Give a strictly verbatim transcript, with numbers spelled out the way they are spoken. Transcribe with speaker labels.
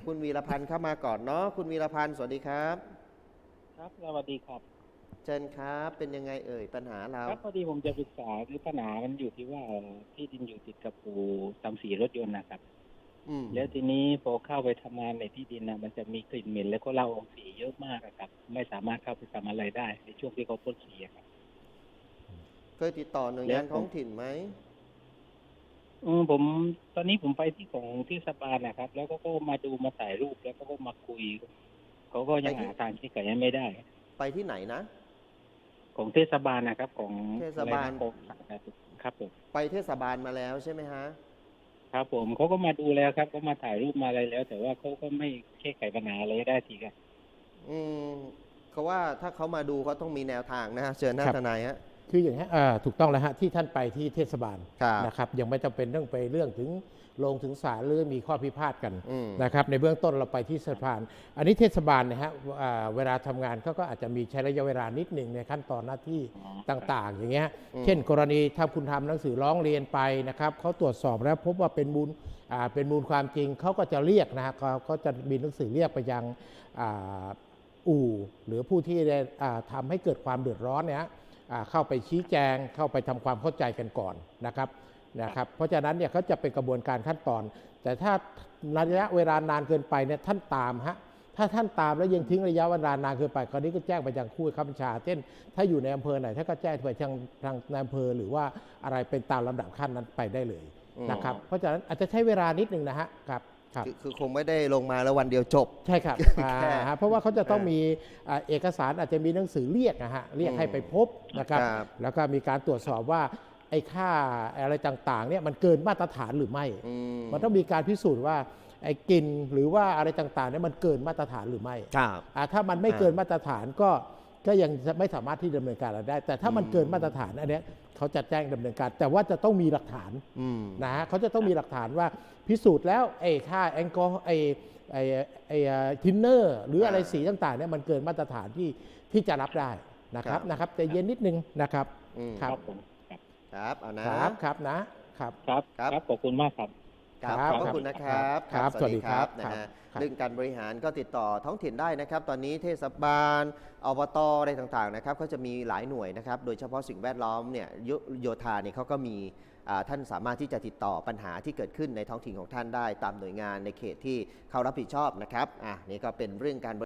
Speaker 1: คุณวีรพันธ์เข้ามาก่อนเนาะคุณวีรพันธ์สวัสดีครับ
Speaker 2: ครับสวัสดีครับ
Speaker 1: เชิญครับเป็นยังไงเอ่ยปัญหาเรา
Speaker 2: ครับพอดีผมจะปรึกษาคือปัญหามันอยู่ที่ว่าที่ดินอยู่ติดกับอู่ทำสีรถยนต์นะครับ
Speaker 1: อืม
Speaker 2: แล้วทีนี้พอเข้าไปทำงานในที่ดินนะมันจะมีกลิ่นเหม็นแล้วก็เหล้าออกสีเยอะมากอะครับไม่สามารถเข้าไปทำอะไรได้ในช่วงที่เขาพ่นสีอะครับ
Speaker 1: เคยติดต่อหน่วย
Speaker 2: แล้วผม
Speaker 1: งานท้องถิ่นไหม
Speaker 2: อืมผมตอนนี้ผมไปที่ของที่สปานะครับแล้วก็ก็มาดูมาถ่ายรูปแล้วก็ก็มาคุยเขาก็
Speaker 1: ไปที่
Speaker 2: ยังหาทางแก้ไขให้ไม่ได้
Speaker 1: ไปที่ไหนนะ
Speaker 2: ของเทศบาลนะครับของ
Speaker 1: เทศ
Speaker 2: อะไร
Speaker 1: บาล
Speaker 2: นะของครับผม
Speaker 1: ไปเทศบาลมาแล้วใช่ไหมฮะ
Speaker 2: ครับผมเขาก็มาดูแล้วครับก็มาถ่ายรูปมาอะไรแล้วแต่ว่าเขาก็ไม่แก้ไขปัญหาอะไรได้ทีครับ
Speaker 1: อืมเขาว่าถ้าเขามาดูเขาต้องมีแนวทางนะฮะเชิญหน้า
Speaker 3: ครับ
Speaker 1: ทนายฮะ
Speaker 3: คืออย่างนี้อ่าถูกต้องแล้วฮะที่ท่านไปที่เทศบาล
Speaker 1: ครับ
Speaker 3: นะครับยังไม่จำเป็นต้องไปเรื่องถึงลงถึงศาลหรือมีข้อพิพาทกัน
Speaker 1: อืม
Speaker 3: นะครับในเบื้องต้นเราไปที่สะพานอันนี้เทศบาลนะฮะอ่าเวลาทำงานเขาก็อาจจะมีใช้ระยะเวลานิดหนึ่งในขั้นตอนหน้าที่ต่างๆ อย่างเงี้ยเช่นกรณีถ้าคุณทำหนังสือร้องเรียนไปนะครับเขาตรวจสอบแล้วพบว่าเป็นมูลอ่าเป็นมูลความจริงเขาก็จะเรียกนะฮะเขาก็จะมีหนังสือเรียกไปยังอ่าอู่หรือผู้ที่ได้อ่าทำให้เกิดความเดือดร้อนเนี่ย เข้าไปชี้แจงเข้าไปทำความเข้าใจกันก่อนนะครับนะครับเพราะฉะนั้นเนี่ยเขาจะเป็นกระบวนการขั้นตอน แต่ถ้าระยะเวลานานเกินไปเนี่ยท่านตามฮะถ้าท่านตามแล้วยังทิ้งระยะเวลานานเกินไปคราวนี้ก็แจ้งไปยังผู้ข้าบัญชาเช่นถ้าอยู่ในอำเภอไหนถ้าก็แจ้งไปทางทางในอำเภอหรือว่าอะไรเป็นตามลำดับขั้นนั้นไปได้เลยนะครับเพราะฉะนั้นอาจจะใช้เวลานิดนึงนะฮะครับ
Speaker 1: คือคือคงไม่ได้ลงมาแล้ววันเดียวจบ
Speaker 3: ใช่ครับ
Speaker 1: แค่
Speaker 3: เพราะว่าเขาจะต้องมีอ่าเอกสารอาจจะมีหนังสือเรียกนะฮะเรียกให้ไปพบนะครับ
Speaker 1: ครับ
Speaker 3: แล้วก็มีการตรวจสอบว่าไอ้ค่าอะไรต่างๆเนี่ยมันเกินมาตรฐานหรือไม่
Speaker 1: อืม
Speaker 3: มันต้องมีการพิสูจน์ว่าไอ้กลิ่นหรือว่าอะไรต่างๆเนี่ยมันเกินมาตรฐานหรือไม่
Speaker 1: ครับ
Speaker 3: อ่าถ้ามันไม่เกินมาตรฐานก็ก็ยังไม่สามารถที่ดำเนินการอะไรได้ แต่ถ้ามันเกินมาตรฐานอันเนี้ยเขาจะแจ้งดำเนินการ แต่ว่าจะต้องมีหลักฐาน
Speaker 1: อืม
Speaker 3: นะฮะเขาจะต้องมีหลักฐานว่าพิสูจน์แล้วไอ้ค่าแอลกอฮอล์ไอ้ไอ้ไอ้ทินเนอร์หรืออะไรสีต่างๆเนี่ยมันเกินมาตรฐานที่ที่จะรับได้นะครับนะครับแต่เย็นนิดนึงนะครับ
Speaker 1: อืม
Speaker 3: ครับ
Speaker 2: ผมครับ
Speaker 1: ครับเอานะครับ
Speaker 3: ครับนะครับ
Speaker 2: ครับ
Speaker 1: ครับ
Speaker 2: ครับขอบคุณมากครับ
Speaker 1: ครับ
Speaker 3: ครับ
Speaker 1: ขอบพระคุณนะครับ
Speaker 3: ครับ
Speaker 1: สวัสดีครับ
Speaker 3: สวัสดีครับ
Speaker 1: นะฮะ
Speaker 3: ครับ
Speaker 1: เรื่องการบริหารก็ติดต่อท้องถิ่นได้นะครับ ตอนนี้เทศบาลอบตอะไรต่างๆนะครับเขาจะมีหลายหน่วยนะครับ โดยเฉพาะสิ่งแวดล้อมเนี่ยโยโยธาเนี่ยเขาก็มีอ่าท่านสามารถที่จะติดต่อปัญหาที่เกิดขึ้นในท้องถิ่นของท่านได้ตามหน่วยงานในเขตที่เขารับผิดชอบนะครับอ่ะนี่ก็เป็นเรื่องการ